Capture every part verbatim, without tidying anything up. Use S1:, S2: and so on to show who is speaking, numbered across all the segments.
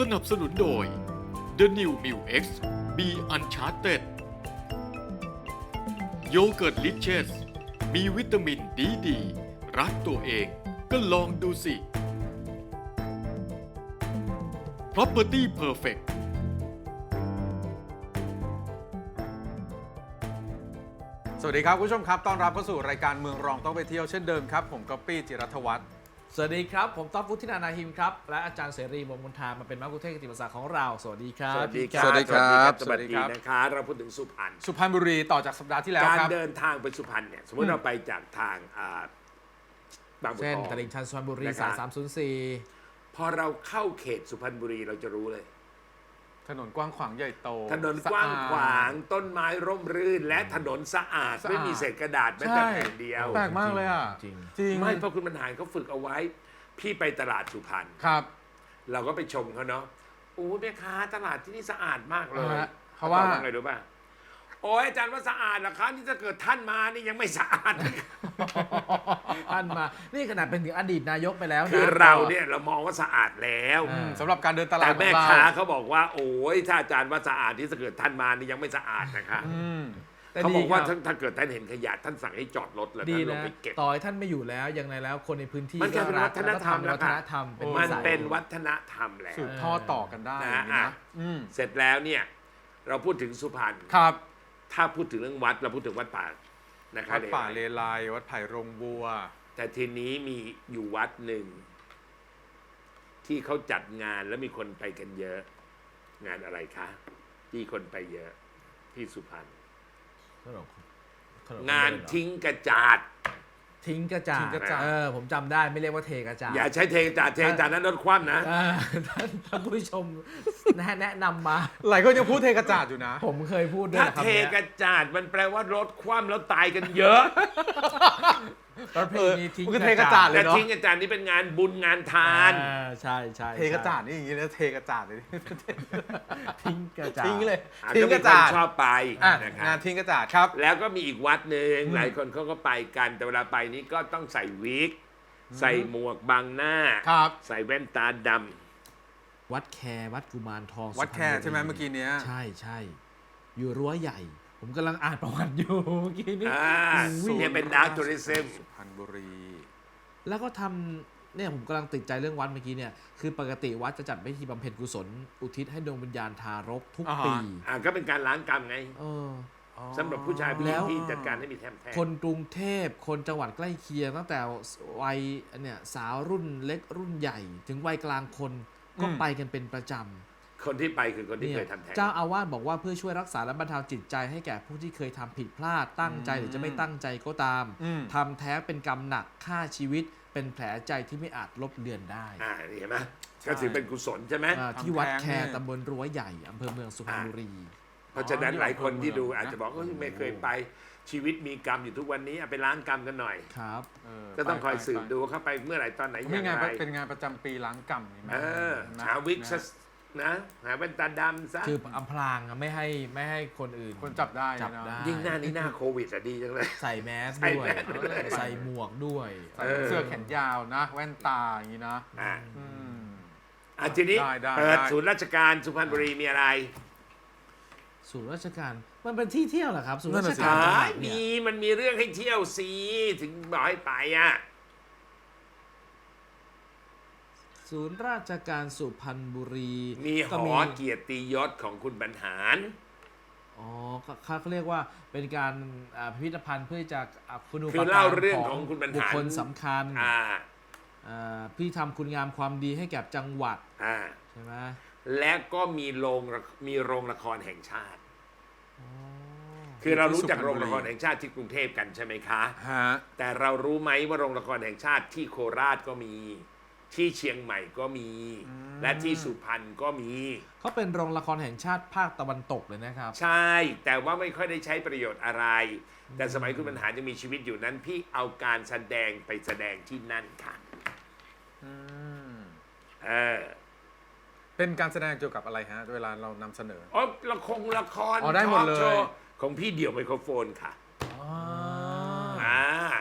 S1: สนับสนุนโดย The New Mu X Be Uncharted โยเกิร์ตลิเชสมีวิตามินดีดีรักตัวเองก็ลองดูสิ Property Perfect
S2: สวัสดีครับคุณผู้ชมครับต้อนรับเข้าสู่รายการเมืองรองต้องไปเที่ยวเช่นเดิมครับผมก๊อปปี้จิรัฐวัฒน์
S3: สวัสดีครับผมต๊อบวุฒินานาหิมครับและอาจารย์เสรีวงศ์มนทามาเป็นมัคคุเทศก์กิติมศักดิ์ของเราสวัสดีครับ
S4: สวัสดีค
S2: สวั
S4: รับ
S2: สดีครับ
S4: สวัสดีนะคะเราพูดถึงสุพรรณ
S2: สุพรรณบุรีต่อจากสัปดาห์ที่แล้ว
S4: การ
S2: ครับ
S4: เดินทางไปสุพรรณเนี่ยสมมติเราไปจากทางอ่าบางบัว
S3: เส้น
S4: ทอง
S3: ตลิ่งชันสุพรรณบุรี
S4: นะครับ
S3: สายสามศูนย์สี่
S4: พอเราเข้าเขตสุพรรณบุรีเราจะรู้เลย
S2: ถนนกว้างขวางใหญ่โต
S4: ถนนกว้างขวางต้นไม้ร่มรื่น และถนนสะอาด
S2: สะอาด
S4: ไม่มีเศษกระดาษแม้แต่แผ่นเดียว
S2: แปลกมากเลยอ่ะ
S3: จริง
S2: จริง
S4: ไม่เพราะคุณบรรหารเขาฝึกเอาไว้ พี่ไปตลาดสุพรรณ
S2: ครับ
S4: เราก็ไปชมเขาเนาะโอ้แม่ค้าตลาดที่นี่สะอาดมากเลย
S2: อ่าฮะเขาว่า
S4: ตอบไงรู้ป่ะโอ้ยอาจารย์ว่าสะอาดเหรอคะนี่ถ้าเกิดท่านมานี่ยังไม่สะอาด
S3: ท่านมานี่ขนาดเป็นถึงอดีตนายกไปแล้วนะ
S4: คือเราเนี่ยเรามองว่าสะอาดแล้ว
S2: อืมสำหรับการเดินตลา
S4: แต่
S2: ดขอ
S4: แม่
S2: งเรา
S4: ค้าเขาบอกว่า โอ้ยถ้าอาจารย์ว่าสะอาดที่ถ้าเกิดท่านมานี่ยังไม่สะอาดนะคะ
S2: อืม
S3: แต่
S4: เขา
S3: ดี
S4: บอกว่า
S3: ครั
S4: ถ้าถ้าเกิดท่านเห็นขยะท่านสั่งให้จอดรถแล้ว
S3: ดี
S4: ท่านลง
S3: นะ
S4: ไปเก็บ
S3: ต่อให้ท่านไม่อยู่แล้วยังไงแล้วคนในพื้นที่
S4: มันกลายเป็น
S3: ก็รั
S4: วัฒนธรรม
S3: แล้วก็ทำวัฒน
S4: แล้วค่ะ
S3: ธรรมเป็น
S4: มัน
S3: นิสัย
S4: เป็นวัฒนธรรมแล้ว
S2: สืบทอดต่อกันได้
S4: นะ
S2: อย่างนี้
S4: อ่ะ
S2: นะอืม
S4: เสร็จแล้วเนี่ยเราพูดถึงสุพรรณ
S2: ครับ
S4: ถ้าพูดถึงเรื่องวัดเราพูดถึงวัดป่านะครับ
S2: วัดป่าเลไลวัดไผ่โรงบัว
S4: แต่ทีนี้มีอยู่วัดหนึ่ง ที่เขาจัดงานแล้วมีคนไปกันเยอะ งานอะไรคะที่คนไปเยอะที่สุพรรณ
S3: ขนมขนม
S4: งานทิ้งกระจาด
S3: ทิ้งกระจา
S2: ทิ้
S3: ด
S2: งกระจาด
S3: เออผมจำได้ไม่เรียกว่าเทกระจาด
S4: อย่าใช้เทกระจาดเทกระจาดนั้นรถคว่ำนะ
S3: เออท่านท่านผู้ชมแนะแนะนำมา
S2: หลายคนยังพูดเทกระจาดอยู่นะ
S3: ผมเคยพูดด้วย
S4: ถ้า
S3: นะคำ
S4: เท
S3: เนี้ย
S4: กระจาดมันแปลว่ารถคว่ำแล้วตายกันเยอะ
S3: ประเพณีทิ้ง
S2: มันคือเทกระจาด เลย
S4: แต่
S2: เนอะ
S4: ทิ้งกระจาดนี่เป็นงานบุญงานทาน
S3: อ่าใช่ใช่
S2: เทกระจาดนี่อย่างนี้เลยเทกระจาดเลย
S3: ทิ้งกระจาด
S2: ทิ้งเลย
S4: อ่ะ
S2: ทิ้ง
S4: ก็
S2: ก
S4: มี
S2: ระ
S4: ค
S2: จาน ด
S4: ชอบไป
S2: อ่ะ
S4: นะครับ
S2: งานทิ้งกระจาดครับ
S4: แล้วก็มีอีกวัดหนึ่งหลายคนเขาก็ไปกัน แต่เวลาไปนี่ก็ต้องใส่วิก ใส่หมวกบังหน้า
S2: ครับ
S4: ใส่แว่นตาด
S3: วัดแควัดกุมารทอง
S2: วัดแค
S3: สุพรรณบุรี
S2: ใช่ไหมเมื่อกี้เนี้ย
S3: ใช่ใช่อยู่รั้วใหญ่ ผมกำลังอ่านประวัติอยู่เมื่อกี้
S4: ำ
S3: นี้
S4: อ่า
S3: อุ้ย
S4: เนี่ยเป็นดาร์กทัวริซึม
S2: สุพรรณบุรี
S3: แล้วก็ทำเนี่ยผมกำลังติดใจเรื่องวัดเมื่อกี้เนี่ยคือปกติวัดจะจัดพิธีบำเพ็ญกุศลอุทิศให้ดวงวิญญาณทารกทุก
S2: อ่าฮะ
S3: ปี
S4: อ่าก็เป็นการล้างกรรมไง
S3: เออ
S4: สำหรับผู้ชายผู้ห
S3: แล้
S4: ญิง
S3: ว
S4: ที่จัดการให้มีแทมแท
S3: คนกรุงเทพคนจังหวัดใกล้เคียงตั้งแต่วัยเนี่ยสาวรุ่นเล็กรุ่นใหญ่ ถึงวัยกลางคนก็
S2: อืม
S3: ไปกันเป็นประจำ
S4: คนที่ไปคือคนที่
S3: เนี่
S4: เค
S3: ย
S4: ยทำแท้ง
S3: เจ้าอาวาสบอกว่าเพื่อช่วยรักษาและบรรเทาจิตใจให้แก่ผู้ที่เคยทำผิดพลาดตั้งใจหรือจะไม่ตั้งใจก็ตาม
S2: อืม
S3: ทำแท้งเป็นกรรมหนักฆ่าชีวิต เป็นแผลใจที่ไม่อาจลบเลือนได้
S4: อ่านี่เห็นไหมก็ถือเป็นกุศลใช่ไหม
S3: อ่าที่วัดแค
S2: ทำแท้งเนี่ย
S3: ตำบลรั้วใหญ่อำเภอเมืองสุพรรณบุรี
S4: เพราะฉะนั้นหลายคนที่ดู
S2: อ๋อ
S4: อาจจะบอกว่าไม่เคยไปชีวิตมีกรรมอยู่ทุกวันนี้เอาไปล้างกรรมกันหน่อย
S3: ครับ
S2: เ
S4: ก็ต้องคอย
S2: ไป
S4: สืบ
S2: ไป
S4: ดูว่าเขาไปเมื่อไหร่ตอนไหนอ
S2: มี
S4: ย่าง
S2: งาน
S4: ไร
S2: เป็นงานประจำปีล้างกรรมนี่ไหม
S4: เออ
S2: นะ
S4: หาวิก
S2: นะ
S4: ซะนะหาแว่นตาดำซะ
S3: คืออำพรางอะไม่ให้ไม่ให้คนอื่น
S2: คนจับได้
S3: จับ
S2: นะ
S3: ได้
S4: ยิ่งหน้านี้หน้าโควิดอะดีจังเลย
S3: ใส่แมส
S4: ใส่
S3: ด้วย
S4: แมสด้วย
S3: ใส่หมวกด้วย
S2: ใส่
S4: เออ
S2: เสื้อแขนยาวนะ แว่นตาอย่างนี้นะ
S4: อ่า
S2: อืม
S4: อ่ะทีนี้
S2: ได้ได้
S4: เปิด
S2: ได้
S4: ศูนย์ราชการสุพรรณบุรีมีอะไร
S3: ศูนย์ราชการมันเป็นที่เที่ยวเหรอครับศูนย์
S2: นั่น
S3: รา
S2: น่ะ
S3: ช
S2: สิ
S3: การจังห
S4: ใช่
S3: วัดเนี่
S4: มี
S3: ย
S4: มันมีเรื่องให้เที่ยวสิถึงบอกให้ไปอ่ะ
S3: ศูนย์ราชการสุพรรณบุรี
S4: มีห
S3: ก็
S4: อเกียรติยศของคุณบรรหาร
S3: อ๋อเขาเขาเรียกว่าเป็นการอ่าพิพิธภัณฑ์เพื่อจะอ่าคุณูป
S4: คือ
S3: การ
S4: เล่าเรื่องของคุณบรร
S3: บุค
S4: หาร
S3: คลสำคัญ
S4: อ่า
S3: อ่าพี่ทำคุณงามความดีให้แก่จังหวัด
S4: อ่า
S3: ใช่ไหม
S4: และก็มีโรงละมีโรงละครแห่งชาติ
S3: อ๋อ
S4: คือเรารู้จัก
S2: ที่สุพรรณบุรี
S4: โรงละครแห่งชาติที่กรุงเทพกันใช่ไหมคะ
S2: ฮะ
S4: แต่เรารู้ไหมว่าโรงละครแห่งชาติที่โคราชก็มี ที่เชียงใหม่ก็มี และที่สุพรรณก็มี
S3: เขาเป็นโรงละครแห่งชาติภาคตะวันตกเลยนะครับ
S4: ใช่ แต่ว่าไม่ค่อยได้ใช้ประโยชน์อะไร แต่สมัยคุณบรรหารยังมีชีวิตอยู่นั้น พี่เอาการแสดงไปแสดงที่นั่นค่ะ
S2: อืม
S4: เออ
S2: เป็นการแสดงเกี่ยวกับอะไรฮะ เวลาเรานำเสนอ
S4: อ๋อละครละคร
S2: อ๋อได้หมดเลย
S4: ทอล์กโชว์ของพี่เดี่ยวไมโครโฟนค่ะ
S3: อ๋อ
S4: อ่า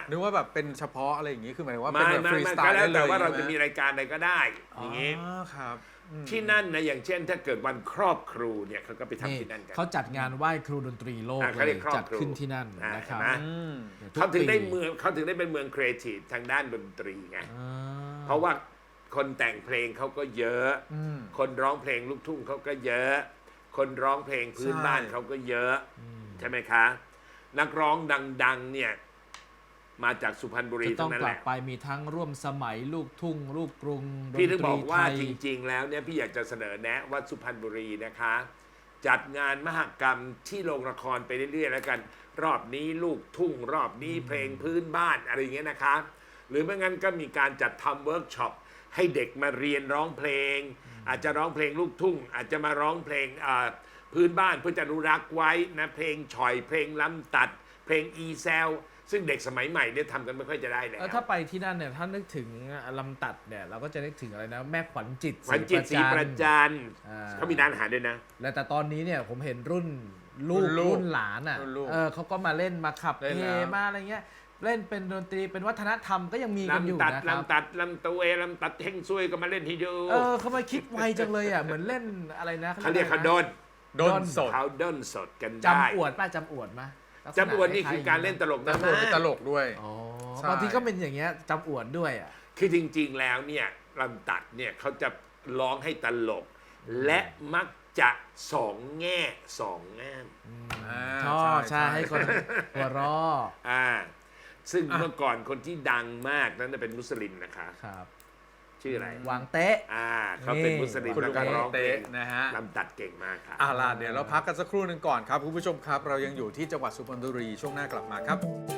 S2: นึกว่าแบบเป็นเฉพาะอะไรอย่างงี้คือหมายถึงว่าเป็น
S4: ไม่
S2: แบบ
S4: ไม่
S2: ฟรี
S4: ไม่
S2: สไต
S4: ก็
S2: ล์
S4: แล้ว
S2: ได้เล
S4: แต่
S2: ย
S4: ว่าเรา
S2: ใช่
S4: จะ
S2: ไหม
S4: มีรายการอะไรก็ได้อย่างงี้
S2: อ๋อครับอืม
S4: ที่นั่นนะอย่างเช่น ถ้าเกิดวันครอบครูเนี่ยเขาก็ไปทำ
S3: นี่
S4: ที่นั่นกัน
S3: เขาจัดงานไหว้ครูดนตรีโลก
S4: อ่ะเขา
S3: เล
S4: เรี
S3: ย
S4: ยกครอบ
S3: จัด
S4: ครู
S3: ขึ้นที่นั่น
S4: อ่ะ
S3: นะครับ
S4: เห็นไหม
S2: อืม
S3: ทุก
S4: เขาถึงได้
S3: ปี
S4: เมืองเขาถึงได้เป็นเมืองครีเอทีฟทางด้านดนตรีไง
S3: อ่า
S4: เพราะว่าคนแต่งเพลงเขาก็เยอะ
S2: อืม
S4: คนร้องเพลงลูกทุ่งเขาก็เยอะ คนร้องเพลงพื้น
S2: ใช่
S4: บ้านเขาก็เยอะ ใช่ไหมคะ นักร้องดังๆเนี่ยมาจากสุพรรณบุรี
S3: จะต้
S4: ทั้
S3: อง
S4: งนั้น
S3: ก
S4: แห
S3: ลับ
S4: ละ
S3: ไปมีทั้งร่วมสมัยลูกทุ่ง ลูกกรุงดน
S4: พี่
S3: ต
S4: ถึงบ
S3: รี
S4: อกว่า
S3: ไทย
S4: จริงๆ แล้วเนี่ยพี่อยากจะเสนอแนะว่าสุพรรณบุรีนะคะ จัดงานมหกรรมที่โรงละครไปเรื่อยๆ แล้วกัน รอบนี้ลูกทุ่ง รอบนี้เพลงพื้นบ้านอะไรอย่างเงี้ยนะคะ หรือไม่งั้นก็มีการจัดทำเวิร์กช็อปให้เด็กมาเรียนร้องเพลง อาจจะร้องเพลงลูกทุ่ง อาจจะมาร้องเพลงอ่าพื้นบ้านเพื่อจะอนุรักษ์ไว้นะเพลงฉ่อยเพลงลำตัด เพลงอีแซลซึ่งเด็กสมัยใหม่เนี่ยทำกันไม่ค่อยจะได้แล้ว
S3: เออถ้าไปที่นั่นเนี่ยถ้านึกถึงลำตัดเนี่ยเราก็จะนึกถึงอะไรนะแม่ขวัญจิต
S4: ขวัญจิตศรีประจันทร์
S3: อ่า
S4: เขามีร้านอาหารด้วยนะ
S3: และแต่ตอนนี้เนี่ยผมเห็นรุ่นลูก
S2: รุ่นลูก
S3: รุ่นหลานอ่ะ
S2: รุ่นลูก
S3: เออเขาก็มาเล่นมาขับ
S2: เล่น
S3: เพ
S2: แล้ว
S3: มาอะไรเงี้ยเล่นเป็นดนตรีเป็นวัฒนธรรมก็ยังมีกันอยู่
S4: ลำตัด
S3: นะครับ
S4: ลำตัดลำตัวเอลำตัดเฮงซวยก็มาเล่นที่ดู
S3: เออเขามาคิดไวจังเลยอ่ะเหมือนเล่นอะไรนะ
S4: เขาเรียกเขาดน
S2: โดนสด
S4: เขาดนสดกันได้
S3: จำอวดป่ะจำอวดมา
S4: จำอวดนี่คือการเล่นตลก
S2: แต่
S4: นะ
S2: โดนเป็นตลกด้วย
S3: อ๋อ
S2: ใช่
S3: บางทีก็เป็นอย่างเงี้ยจำอวดด้วยอ่ะ
S4: คือจริงๆแล้วเนี่ยลำตัดเนี่ยเขาจะร้องให้ตลก และมักจะสองแง่สองงาม
S2: อ่า
S3: ชอบใช่
S2: ใช่
S3: ให้คนหัวเราะ
S4: อ่าซึ่ง
S2: อ่ะ
S4: เมื่อก่อนคนที่ดังมากนั้นนะเป็นมุสลิมนะคะ
S3: ครับ
S4: ชื่ออะไร
S3: วางเต๊ะ
S4: อ่าเขาเป็นมุสลิม
S2: คุณ
S4: แล้ว
S2: ลุง
S4: ก็ร้องเพล
S2: เต๊ะ
S4: ง
S2: นะฮะ
S4: ลำตัดเก่งมากค่ะ
S2: อ่าล่ะเดี๋ยวเราพักกันสักครู่หนึ่งก่อนครับคุณผู้ชมครับ เรายังอยู่ที่จังหวัดสุพรรณบุรีช่วงหน้ากลับมาครับ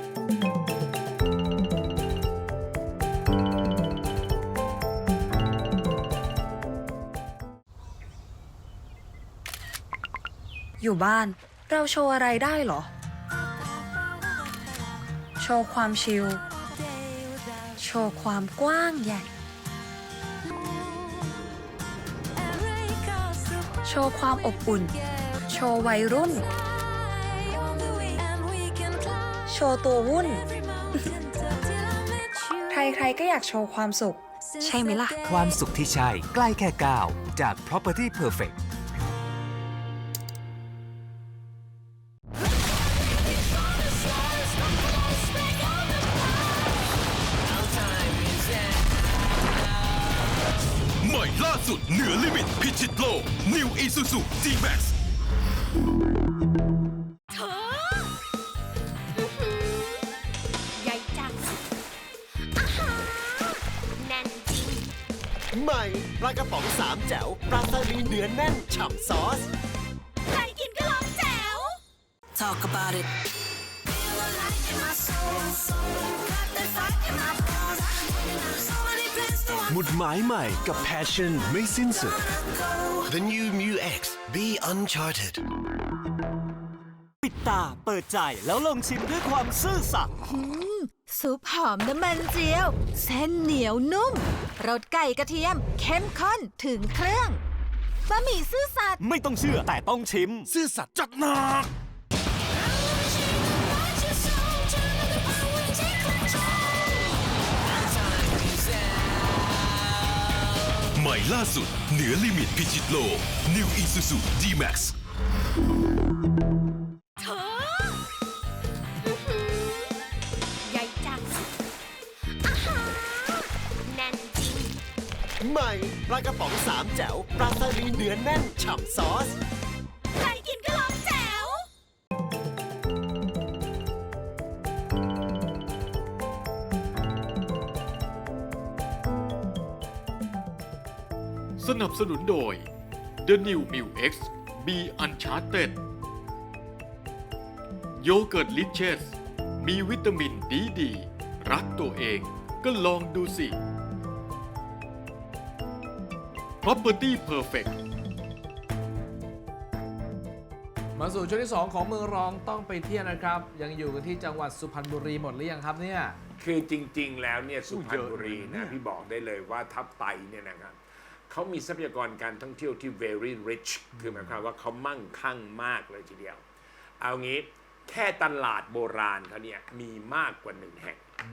S5: อยู่บ้านเราโชว์อะไรได้เหรอ โชว์ความชิล โชว์ความกว้างใหญ่ โชว์ความอบอุ่น โชว์วัยรุ่น โชว์ตัววุ่น ใครๆก็อยากโชว์ความสุข ใช่ไหมล่ะ
S6: ความสุขที่ใช่ใกล้แค่ก้าวจาก Property Perfect
S7: ใหม่ล่าสุดเหนือลิมิตพิชิตโลก New Isuzu G-Max
S8: เธออื้อหือใหญ่จังอาหารแน่นจริง
S9: ใหม่ปลากระป๋องสามแจ๋วปลาสลิดเนื้อแน่นฉ่ำซอส
S8: ใครกินก็ร้องแจ๋ว
S9: Talk about it หมุดหมายใหม่กับ Passion ไม่สิ้นสุด The New Mu X Be Uncharted
S6: ปิดตาเปิดใจแล้วลองชิมด้วยความซื่อสัตย์
S8: ซุปหอมน้ำมันเจียว เส้นเหนียวนุ่มรสไก่กระเทียม เข้มข้นถึงเครื่องบะหมี่ซื่อสัตย์
S6: ไม่ต้องเชื่อแต่ต้องชิม
S7: ซื่อสัตย์จัดหนัก ใหม่ล่าสุดเหนือลิมิตพิชิตโลก New Isuzu G-Max
S8: เธออื้อหือใหญ่จังอาหารแน่นจริง
S9: ใหม่ปลากระป๋องสามแจ๋วปลาสลิดเนื้อแน่นฉ่ำซอส
S8: ใครกินก็ร้องแจ๋ว
S1: สนับสนุนโดย The New m i l X Be Uncharted โยเกิร์ตลิเชสมีวิตามินดีดี รักตัวเองก็ลองดูสิ Property Perfect
S3: มาสู่ช่วงที่สองของเมืองรองต้องไปเที่ยวนะครับ ยังอยู่กันที่จังหวัดสุพรรณบุรีหมดหรือยังครับเนี่ย
S4: คือจริงๆ แล้วเนี่ยสุพรรณบุรี
S2: เยอะเลยเนี่
S4: นะ
S2: ย
S4: พี่บอกได้เลยว่าถ้าไปเนี่ยนะครับเขามีทรัพยากรการท่องเที่ยวที่ very rich คือหมายความว่าเขามั่งคั่งมากเลยทีเดียว เอางี้แค่ตลาดโบราณเขาเนี่ยมีมากกว่าหนึ่งแห่ง
S3: อื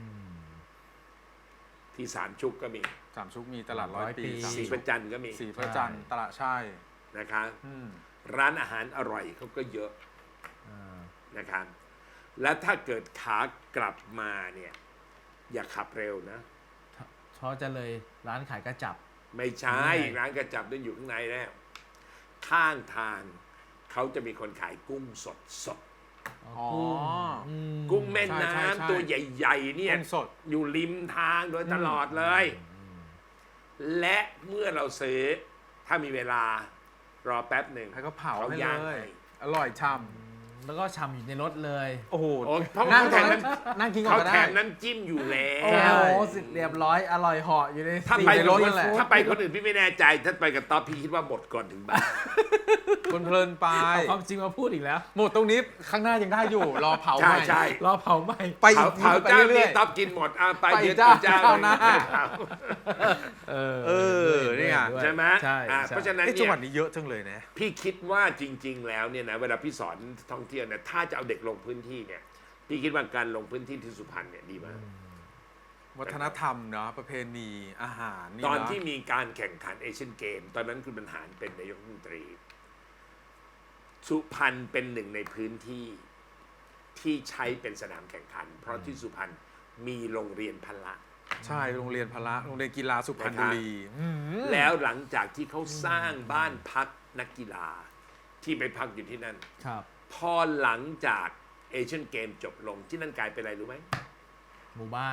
S4: ที่สามชุกก็มี
S2: สามชุกมีตลาดร้อยปี
S3: ร้อยปี
S2: สาม
S4: สี
S2: ชุ
S4: พ
S2: ก
S4: ระจันทร์ก็มี
S2: สีพระจันทร์ตลาดใช่
S4: นะคะ
S2: อืม
S4: ร้านอาหารอร่อยเขาก็เยอะ
S3: อ่า
S4: นะครับและถ้าเกิดขากลับมาเนี่ยอย่าขับเร็วนะ
S3: เพราะจะเลยร้านขายกระจับ
S4: ไม่ใช่
S3: ไม่
S4: ร้านกระจับนั่นอยู่ข้างในแล้ว ข้างทางเขาจะมีคนขายกุ้งสดสด
S2: อ๋อ
S3: ม
S4: กุ้งแม่
S2: ใช่ใช่ใช่
S4: น้ำตัวใหญ่ๆเนี่ย
S2: กุ้งสด
S4: อยู่ริมทางโดยตลอดเลย และเมื่อเราซื้อถ้ามีเวลารอแป๊บหนึ่ง
S2: ให้เขาเผา
S4: เขา
S2: ให้
S4: ย่าง
S2: เลย
S4: ให้
S2: อร่อยช่
S3: แล้วก็ชำอยู่ในรถเลย
S2: ำโอ้โห
S4: โอ้เพราะ
S2: นั่ง
S4: เขา
S2: ตรง
S4: แถ
S2: นั้
S4: ม
S2: นนั่งกินก่อน
S4: เขา
S2: ก็
S4: แถ
S2: ได้
S4: มน้ำจิ้มอยู่แล้
S3: โอ้
S4: ว
S3: โหสิเรียบร้อยอร่อยเหาะอยู่ใน
S4: ถ้า
S3: สี่
S4: ไป
S3: ใน
S4: ร
S3: ร
S4: ถ
S3: ถนั่นแหละ
S4: ถ้าไปคนอื่นพี่ไม่แน่ใจ ถ้าไปกับต๊อบพี่คิดว่าหมดก่อนถึงบ้าน
S2: คนเพลินไป
S3: เอาความจริงมาพูดอีกแล้ว
S2: หมดตรงนี้ข้างหน้ายังได้อยู่ รอเผา
S4: ใช่
S2: ใหม่
S4: ใช่
S3: รอเผาไหม
S2: ไปอี
S4: เผาก เผา
S2: ไป
S4: เจ้า
S2: เรื่
S4: นี้
S2: อย
S4: ต๊อบกินหมดอ่ะไป
S2: ไป
S4: เดี๋ยว
S2: เจ้า
S4: เจ้า
S2: เจ้าหน้า
S3: เออ
S2: เออเนี่ย
S3: ด้วย
S4: ใช่ไหม
S3: ใช่
S4: อ่ะ
S3: ใช่
S4: เพราะฉะ
S2: ๆ
S4: นั้น
S2: ไอ้จัง
S4: เนี่
S2: หวัด
S4: ย
S2: นี้เยอะจังเลยนะ
S4: พี่คิดว่าจริง ๆ แล้วเนี่ยนะเวลาพี่สอนท่องเที่ยวเนี่ยถ้าจะเอาเด็กลงพื้นที่เนี่ยพี่คิดว่าการลงพื้นที่ที่สุพรรณเนี่ยดีมาก
S2: วัฒนธรรมเนาะประเพณีอาหารนี่
S4: ตอน
S2: เะ
S4: ที่มีการแข่งขันเอเชียนเกม ตอนนั้นคุณบรรหารเป็นนายกรัฐมนตรี สุพรรณเป็นหนึ่งในพื้นที่ที่ใช้เป็นสนามแข่งขัน เพราะที่สุพรรณมีโรงเรียนพละ
S2: ใช่โรงเรียนพละโรงเรียนกีฬาสุพรรณบุรีอืม
S4: แล้วหลังจากที่เขาสร้างบ้านพักนักกีฬาที่ไปพักอยู่ที่นั่น
S3: ครับ
S4: พอหลังจากเอเชียนเกมจบลงที่นั่นกลายเป็นอะไรรู้ไหม
S3: หมู่บ้าน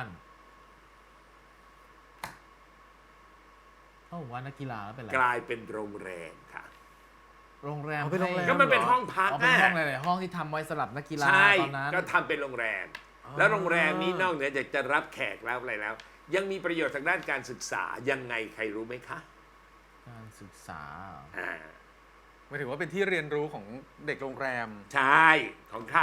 S3: เอ้าว่านักกีฬาแล้วเป็นไร
S4: กลายเป็นโรงแรมค่ะ
S3: โรงแรม
S2: เอาเป็นโรงแร
S3: ให้
S4: ก็มันเป็นห้องพัก
S3: อ๋อเป็นห้อง
S4: อะ
S3: หลายๆห้องที่ทำไว้สำหรับนักกีฬา
S4: ใช่
S3: ตอนนั้น
S4: ก็ทำเป็นโรงแรม แล้วโรงแรมนี้นอกเหนือจากจะรับแขกแล้วอะไรแล้ว ยังมีประโยชน์ทางด้านการศึกษายังไงใครรู้ไหมคะ
S3: การศึกษา
S4: อ่า
S2: หมายถึงว่าเป็นที่เรียนรู้ของเด็กโรงแรม
S4: ใช่ของใคร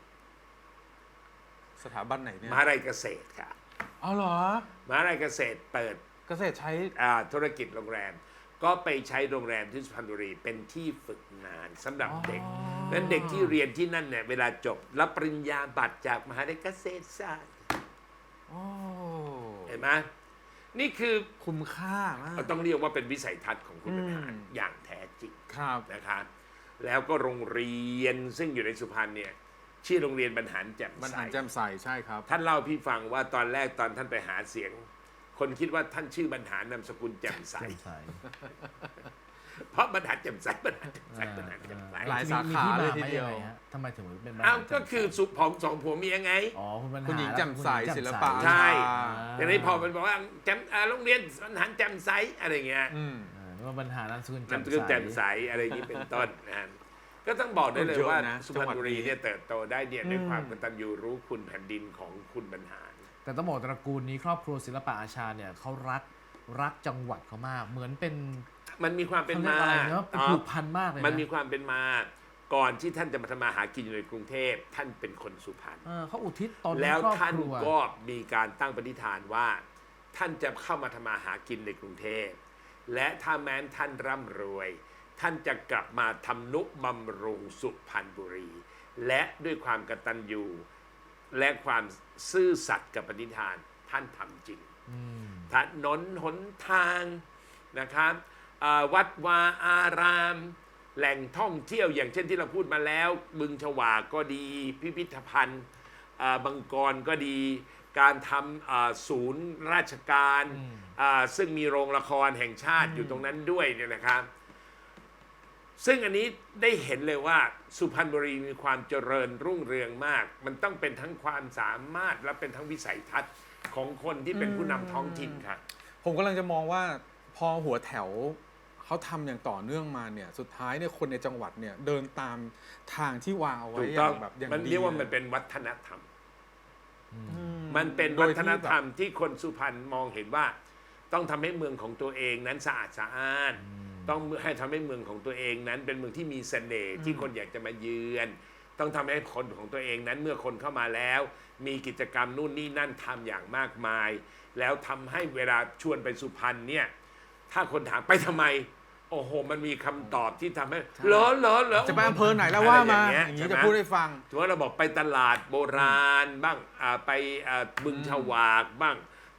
S2: สถาบันไหนเนี่ย
S4: มหาลัยเกษตรค่ะ
S2: อ๋อเหรอ
S4: มหาลัยเกษตรเปิด
S2: เกษตรใช้
S4: อ่าธุรกิจโรงแรม ก็ไปใช้โรงแรมที่สุพรรณบุรีเป็นที่ฝึกงานสำหรับเด็กนั้นเด็กที่เรียนที่นั่นเนี่ยเวลาจบรับปริญญาบัตรจากมหาลัยเกษตรศาสตร์
S2: โอ้
S4: เห็นไหมนี่คือ
S2: คุ้มค่ามาก
S4: ต้องเรียกว่าเป็นวิสัยทัศน์ของคุณบรรหาร
S2: อืม
S4: อย่างแท้จริง
S2: ครับ
S4: นะครับแล้วก็โรงเรียนซึ่งอยู่ในสุพรรณเนี่ยชื่อโรงเรียนบรรหารแจ่ม
S2: บรร
S4: ใส
S2: หารแจ่มใสใช่ครับ
S4: ท่านเล่าพี่ฟังว่าตอนแรกตอนท่านไปหาเสียง คนคิดว่าท่านชื่อบรรหารนามสกุลแจ่มใส
S3: แจ่มใส
S4: เพราะบรรหารแจ่มใสบรรหารแจ่มใสบรรหารแจ่มใส
S2: หลาย
S3: มี
S2: สาขา
S3: มี
S2: เลย
S3: ที่
S2: ที
S3: มา
S2: เดียว
S3: ไหมงไงฮะทำไมถึงเป็นบ้าน
S4: อ้าวก็
S3: แจ่มใส
S4: คือสุของสองผัวเมียไง
S3: อ๋อคุณบรรหาร
S2: คุณหญิงแจ่มใส
S3: และคุณหญิง
S2: ศิล
S3: แจ่ม
S2: ปะ
S4: ใช่
S3: อ่า
S4: ทีนี้พอมันบอกว่าแจ่มอ่าโรงเรียนบรรหารแจ่มใสอะไรเงี้ย
S2: อืม
S3: อ่านึกว่าบรรหารนามสกุล
S4: นาม
S3: แจ่ม
S4: สกุล
S3: ใส
S4: แจ่มใสอะไรอย่างนี้เป็นต้นนะฮะก็ต้องบอกได้เลย
S2: เยอะ
S4: ว่า
S2: นะ
S4: สุพรรณบุรี
S2: จังหวัดนี้
S4: เนี่ยเติบโตได้เนี่ยด้วย
S2: อืม
S4: ความกตัญญูรู้คุณแผ่นดินของคุณบรรหาร
S3: แต่ต้องบอกตระกูลนี้ครอบครัวศิลปะอาชาเนี่ยเขารักรักจังหวัดเขามาก เหมือนเป็น
S4: มันมีความเป็น
S3: เขาเรีย
S4: มาก
S3: อะไรเนาะเป็นผูกพันมากเลยนะ
S4: มันมีความเป็นมาก่อนที่ท่านจะมาทำมาหากินอยู่ในกรุงเทพท่านเป็นคนสุพรรณ
S3: เออเขาอุทิศตนให้
S4: แล้ว
S3: ครอบ
S4: ท่าน
S3: ครัว
S4: ก็มีการตั้งปณิธานว่า ท่านจะเข้ามาทำมาหากินในกรุงเทพและถ้าแม้นท่านร่ำรวย ท่านจะกลับมาทำนุบำรุงสุพรรณบุรี และด้วยความกตัญญูและความซื่อสัตย์กับปณิธานท่านทำจริง
S3: อืม
S4: ถนนหนทางนะครับอ่าวัดวาอาราม แหล่งท่องเที่ยวอย่างเช่นที่เราพูดมาแล้ว บึงฉวากก็ดี พิพิธภัณฑ์อ่าบังกรก็ดี การทำอ่าศูนย์ราชการอ่าซึ่งมีโรงละครแห่งชาติอยู่ตรงนั้นด้วยเนี่ยนะครับ ซึ่งอันนี้ได้เห็นเลยว่าสุพรรณบุรีมีความเจริญรุ่งเรืองมาก มันต้องเป็นทั้งความสามารถและเป็นทั้งวิสัยทัศน์ของคนที่เป็นผู้นำท้องถิ่นค่ะ
S2: ผมกำลังจะมองว่าพอหัวแถวเขาทำอย่างต่อเนื่องมาเนี่ยสุดท้ายเนี่ยคนในจังหวัดเนี่ยเดินตามทางที่วางเอาไว้
S4: ถูก
S2: อ
S4: ต้อง
S2: ย่างแบบอย่าง
S4: มัน
S2: ดี
S4: เรียกว่า
S2: ล
S4: มันเป็นวัฒนธรรม
S2: อื
S4: มันเป็น
S2: โด
S4: วั
S2: ย
S4: ฒ
S2: ที่
S4: น
S2: แบบ
S4: ธรรมที่คนสุพรรณมองเห็นว่า ต้องทำให้เมืองของตัวเองนั้นสะอาดสะอ้าน ต้องให้ทำให้เมืองของตัวเองนั้น เป็นเมืองที่มีเสน่ห์ที่คนอยากจะมาเยือน ต้องทำให้คนของตัวเองนั้นเมื่อคนเข้ามาแล้ว มีกิจกรรมนู่นนี่นั่นทำอย่างมากมาย แล้วทำให้เวลาชวนไปสุพรรณเนี่ยถ้าคนถามไปทำไม โอ้โห มันมีคำตอบที่ทำให้เหรอเหรอเหรอ
S2: จะไปอำเภอไหนแล้วว่ามา
S4: อะไร
S2: อ
S4: อย่า
S2: ย่าง ง
S4: เงี้
S2: นี้
S4: ย
S2: จะ
S4: ใช่ไหม
S2: พูดให้ฟัง
S4: ถือว่าเราบอกไปตลาดโบราณบ้างอ่าไปอ่าบึงฉวากบ้าง ไป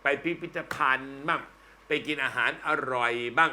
S4: ไปพิพิธภัณฑ์บ้างไปกินอาหารอร่อยบ้าง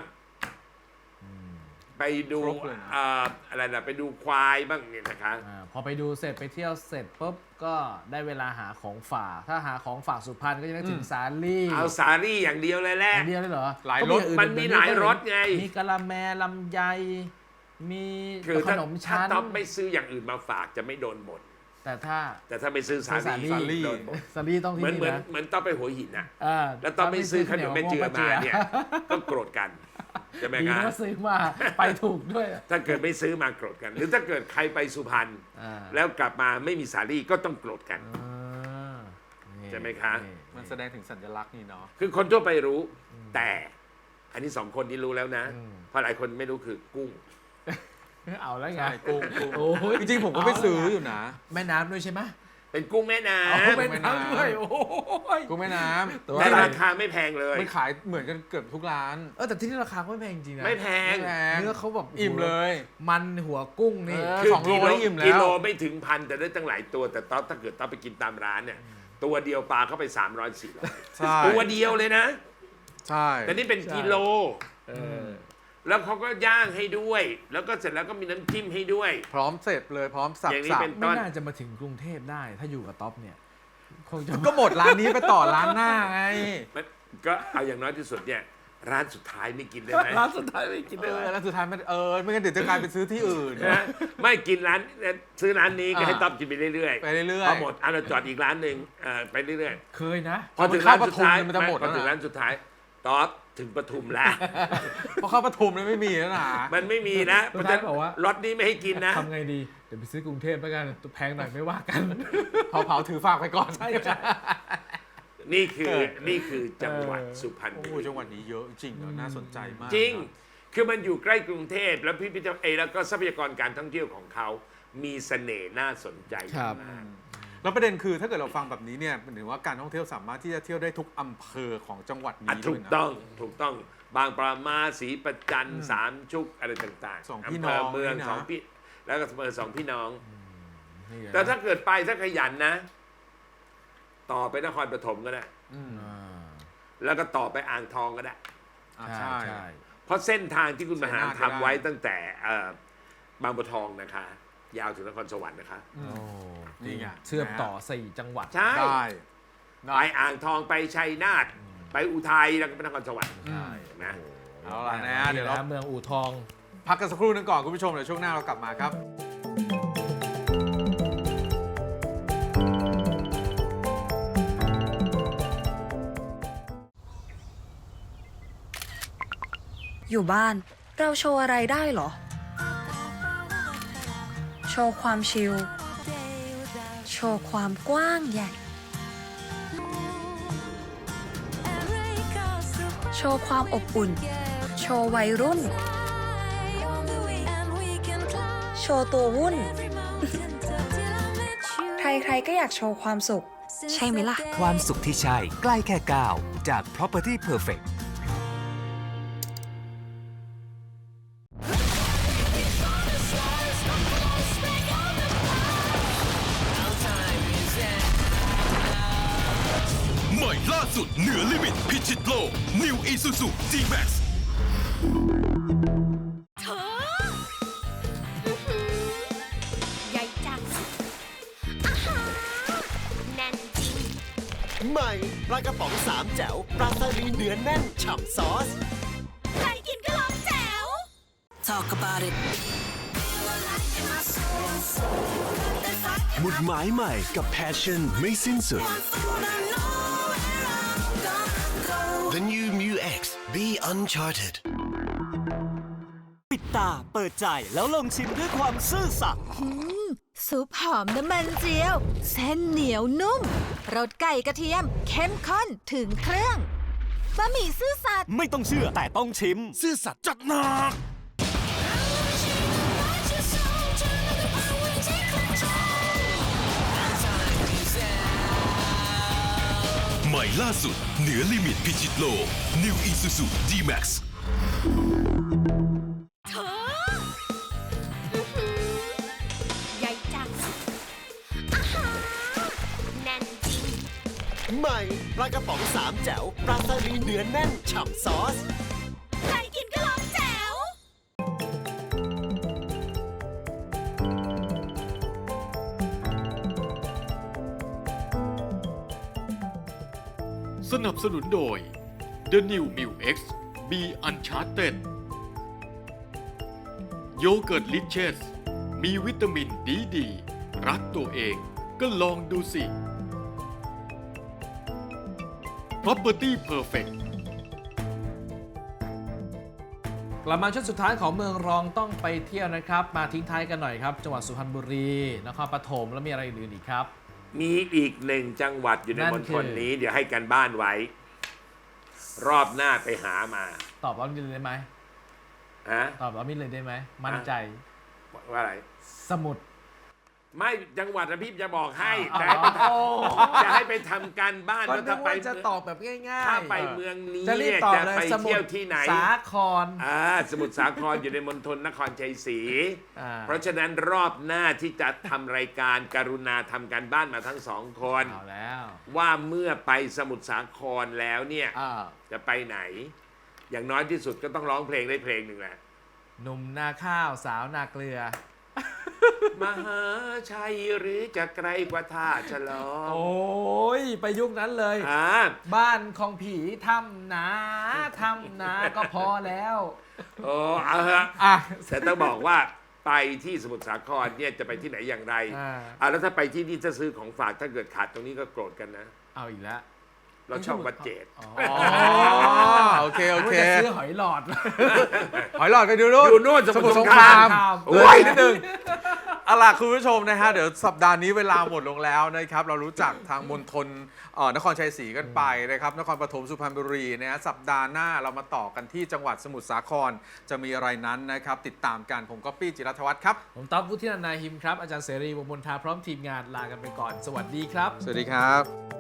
S4: ไปดู
S2: ครบเลยนะ
S4: เอ่ออะไรนะไปดูควายบ้างเนี่ยนะคะ
S3: อาพอไปดูเสร็จไปเที่ยวเสร็จปุ๊บก็ได้เวลาหาของฝาก ถ้าหาของฝากสุพรรณก็จะนึกถึงสาลี่
S4: เอาสาลี่อย่างเดียวเลยแหละ
S3: อย่างเดียวเลยเหรอ
S2: หลาย
S3: ก็
S2: รส
S3: องอื่
S4: มันมีหลายรสไง
S3: มีกะละแมลำไยมี
S4: คือ
S3: ข
S4: ถ้าน
S3: ม
S4: ถ้า
S3: ชั้น
S4: ต๊อบไม่ซื้ออย่างอื่นมาฝากจะไม่โดนบ่น
S3: แต่ถ้า
S4: แต่ถ้าไปซื้อสา
S3: สาลี่
S4: ลี่โดนบ่น
S3: สาลี่ต้อง
S4: เห
S3: ที่
S4: มือน
S3: นี่
S4: เหมือน
S3: นะ
S4: เหมือนต้องไปหัวหินนะ
S3: อ่า
S4: แล้วต้องไปซื้อขนมแม่เจือมาเนี่ย ก็โกรธกันใช่ไหม
S3: ดี
S4: ครับ
S3: นะซื้อมาไปถูกด้วย
S4: ถ้าเกิดไม่ซื้อมาโกรธกัน หรือถ้าเกิดใครไปสุพรรณ
S3: อ่า
S4: แล้วกลับมาไม่มีสาลี่ก็ต้องโกรธกัน
S3: อ่านี่
S4: ใช่ไหมคะ
S3: นี่
S2: มันแสดงถึงสัญลักษณ์นี่เนาะ
S4: คือคนทั่วไปรู้ แต่อันนี้สองคนนี้รู้แล้วนะ
S3: อืม
S4: เพราะหลายคนไม่รู้คือกุ้ง
S3: เอาแล้วไง
S2: ใช่กุ้งกุ้ง
S3: โอ้ย
S2: จริงๆผมก็ไปซื้ออยู่นะ
S3: แม่น้ำด้วยใช่ไหม
S4: เป็นกุ้งแม่น้
S3: เอา
S4: ำ
S3: แม่น้ำด้วยโอ้ย
S2: กุ้งแม่น้ำแต่
S4: แต่
S2: ว่า
S4: ราคาไม่แพงเลย
S2: มันขายเหมือนกันเกือบทุกร้าน
S3: เออแต่ที่นี่ราคาก็ไม่แพงจริงนะ
S4: ไม่แพง
S2: ไม่แพง
S3: เนื้อเขาแบบ
S2: อิ่มเลย
S3: มันหัวกุ้งนี่
S2: เออ
S4: คือ
S2: สองโล
S4: กิโล
S2: นี่อิ่มแล้ว
S4: กิโลไม่ถึงพันแต่ได้ตั้งหลายตัวแต่ต๊อบถ้าเกิดต๊อบไปกินตามร้านเนี่ย ตัวเดียวปลาเข้าไปสามร้อยสี่ร้อย
S2: ใช่
S4: ตัวเดียวเลยนะ
S2: ใช่
S4: แต่นี่เป็นกิโล
S3: เออ
S4: แล้วเขาก็ย่างให้ด้วย แล้วก็เสร็จแล้วก็มีน้ำจิ้มให้ด้วย
S2: พร้อมเสร็จเลยพร้อมสับ
S4: อย่างนี้
S2: สับ
S4: เป็น
S3: ไม่น่าจะมาถึงกรุงเทพได้ ถ้าอยู่กับท็อปเนี่ยคงจะ
S2: ก็หมดร้านนี้ไปต่อร้านหน้าไง
S4: มันก็เอาอย่างน้อยที่สุดเนี่ย ร้านสุดท้ายไม่กินได้ไหม
S3: ร้านสุดท้ายไม่กิน
S2: เอ
S3: ได้
S2: อ
S3: ไหม
S2: แล้วสุดท้ายไม่เออไม่งั้นเดี๋ยวจะกลายเป็นซื้อที่อื่น
S4: นะไม่กินร้านซื้อร้านนี้ก็
S2: อ่า
S4: ให้ต๊อบกินไปเรื่อยๆ
S2: ไปเรื่อยๆ
S4: พอหมดอ่ะเราจอดอีกร้านหนึ่งเอ่อไปเรื่อย
S3: เคยนะ
S4: ๆพอถึงร้านสุดท้าย
S2: มันจะหมด
S4: พอถึง
S2: แล้วนะ
S4: ร้านสุดท้ายต๊อบถึงปทุมแล้ว
S2: เพราะเข้าปทุมแล้วไม่มีแล้วนะ
S4: มันไม่มีนะเพ
S3: สุ
S4: ราะ
S3: ด
S4: ฉะ
S3: ท้าย
S4: นั้น
S3: บอกว่า
S4: รถนี้ไม่ให้กินนะ
S3: ทำไงดี เดี๋ยวไปซื้อกรุงเทพแล้วกันแพงหน่อยไม่ว่ากัน
S2: เผาเผาถือฝากไปก่อน
S3: ใช่ใช่
S4: นี่คือ
S2: เออ
S4: นี่คือจังหวัด
S3: เออ
S4: สุพรรณ
S2: โอ้
S4: บุ
S2: โห
S4: รี
S2: จังหวัดนี้เยอะจริงเนอะน่าสนใจมาก
S4: จริง
S2: นะ
S4: คือมันอยู่ใกล้กรุงเทพแล้วพิพิธภัณฑ์เอยแล้วก็ทรัพยากรการท่องเที่ยวของเขามีเสน่ห์น่าสนใจ
S3: ครับ
S4: มาก
S2: แล้วประเด็นคือถ้าเกิดเราฟังแบบนี้เนี่ยหมายถึงว่าการท่องเที่ยวสามารถที่จะเที่ยวได้ทุกอำเภอของจังหวัด
S4: อ่ะ
S2: นี้
S4: ถู
S2: ด้วย
S4: ก
S2: นะ
S4: ต้องถูกต้องบางปรามาศรีประจันสามชุกอะไรต่างๆ
S2: สองพี่
S4: ำเภ
S2: น้อง
S4: เมือง
S2: นี่นะ
S4: สองพี่แล้วก็อำเภอสองพี่น้อง
S3: นี่ไง
S4: แต่ถ้าเกิดไปถ้าขยันนะ ต่อไปนครปฐมก็ได้
S2: อืม
S3: อ่า
S4: แล้วก็ต่อไปอ่างทองก็ได้
S2: อ่า
S3: ใช่
S2: ใช่
S3: ใช่
S4: เพราะเส้นทางที่คุณมหา
S2: ชัยนาทก็
S4: ทำไว้
S2: ได้
S4: ตั้งแต่เอ่อบางบัวทองนะคะ ยาวถึงนครสวรรค์นะคะ
S3: โอ้
S2: นี่ไง
S3: เชื่อมต่อสี่จังหวัด
S4: ใช่
S2: ได้
S4: ไปอ่างทองไปชัยนาทไปอุทัยแล้วก็ไปนครสวรรค์
S3: ใช่
S4: นะ
S2: เอาล่ะนะเดี๋ยวเรา
S3: เมืองอู่ทอง
S2: พักกันสักครู่หนึงก่อนคุณผู้ชมเดี๋ยวช่วงหน้าเรากลับมาครับ
S5: อยู่บ้านเราโชว์อะไรได้เหรอ โชว์ความชิล โชว์ความกว้างใหญ่ โชว์ความอบอุ่น โชว์วัยรุ่น โชว์ตัววุ่น ใครๆก็อยากโชว์ความสุข ใช่ไหมล่ะ
S6: ความสุขที่ใช่ใกล้แค่ก้าวจาก Property Perfect
S7: ใหม่ล่าสุดเหนือลิมิตพิชิตโลก New Isuzu D-Max
S8: ใหญ่จังอาหารแน่นจริง
S9: ใหม่ปลากระป๋องสามแจ๋วปลาสลิดเนื้อแน่นฉ่ำซอส
S8: ใครกินก็ร้องแจ๋ว
S5: Talk about it
S9: หมุดหมายใหม่กับ Passion ไม่สิ้นสุด The new Mu X Be Uncharted
S6: ปิดตาเปิดใจแล้วลองชิมด้วยความซื่อสัตย์
S8: ซุปหอมน้ำมันเจียว เส้นเหนียวนุ่มรสไก่กระเทียม เข้มข้นถึงเครื่องบะหมี่ซื่อสัตย์
S6: ไม่ต้องเชื่อแต่ต้องชิม
S9: ซื่อสัตย์จัดหนัก
S7: ใหม่ล่าสุดเหนือลิมิตพิชิตโลก New Isuzu D-Max
S8: ใหญ่จังอาหารแน่นจริง
S9: ใใหม่ปลากระป๋องสามแจ๋วปลาสลิดเนื้อแน่นฉ่ำซอส
S8: ใครกินก็ลองแจ๋ว
S1: สนับสนุนโดย The New m i l X B Uncharted โยเกิร์ตลิเชสมีวิตามินดีดี รักตัวเองก็ลองดูสิ Property Perfect
S3: กลับมาช่วงสุดท้ายของเมืองรองต้องไปเที่ยวนะครับ มาทิ้งท้ายกันหน่อยครับ จังหวัดสุพรรณบุรีนครปฐมแล้วมีอะไรอื่นๆอีกครับ
S4: มีอีกหนึ่งจังหวัดอยู่ใน
S3: นั่น
S4: มณ
S3: คื
S4: ฑ
S3: อ
S4: ลนี้ เดี๋ยวให้กันบ้านไว้ รอบหน้าไปหามา
S3: ตอบว่ามิดเลยได้ไหม
S4: ฮะ
S3: ตอบว่ามิดเลยได้ไหมมั่นใจ
S4: ว่าอะไร
S3: สมุด
S4: ไม่จังหวัดนะพี่จะบอกให้
S3: อ๋อ
S4: แต่ให้ไปท
S3: โอ้
S4: ำจะให้ไปทำการบ้าน
S3: ก็
S4: ว่า
S3: นึ
S4: ถ้าก ไป
S3: ว่าจะตอบแบบง่ายๆ
S4: ถ้าไปเมืองนี้
S3: จะรีบ
S4: เนี่ย
S3: ตอบ
S4: จะ
S3: เลย
S4: ไป
S3: สมุ
S4: เที่
S3: ท
S4: ยว
S3: ร
S4: ที่ไหน
S3: สาคร
S4: อ่าสมุทรสาครอยู่ในมณฑลนครชัยศรี
S3: อ่า
S4: เพราะฉะนั้นรอบหน้าที่จะทำรายการกรุณาทำการบ้านมาทั้งสองคน
S3: เอาแล้ว
S4: ว่าเมื่อไปสมุทรสาครแล้วเนี่ย
S3: อ่า
S4: จะไปไหน อย่างน้อยที่สุดก็ต้องร้องเพลงได้เพลงหนึ่งแหละ
S3: หนุ่มนาข้าวสาวนาเกลือ
S4: มหาชัยหรือจะไกลกว่าท่าฉลอม
S3: โอ้ยไปยุคนั้นเลย
S4: อ่า
S3: บ้านของผีทำนาทำนาก็พอแล้ว
S4: โอ้เอาฮะ
S3: อ่ะ
S4: แต่ต้องบอกว่าไปที่สมุทรสาครเนี่ยจะไปที่ไหนอย่างไร
S3: อ่า
S4: อ่าแล้วถ้าไปที่นี่จะซื้อของฝากถ้าเกิดขาดตรงนี้ก็โกรธกันนะ
S3: เอาอีกแล้ว
S4: เราชอบวัดเจด
S3: อ๋อ
S2: อ๋อโอเคโอเค
S3: ว่าจะซื้อหอยหลอด
S2: หอยหลอดกันดูนู่น
S4: อยู่นู่นสมุทรสงคราม
S2: โอ้ยนิดนึงเอาล่ะคุณผู้ชมนะฮะเดี๋ยวสัปดาห์นี้เวลาหมดลงแล้วนะครับเรารู้จักทางมณฑลเอ่อนครชัยศรีกันไปนะครับนครปฐมสุพรรณบุรีนะฮะสัปดาห์หน้าเรามาต่อกันที่จังหวัดสมุทรสาครจะมีอะไรนั้นนะครับติดตามกันผมก๊อปปี้จิรัตวัฒน์ครับ
S3: ผมต๊อบวุฒินันท์นาหิมครับ อาจารย์เสรีวงศ์มนทาพร้อมทีมงานลากันไปก่อน สวัสดีครับ
S2: สวัสดีครับ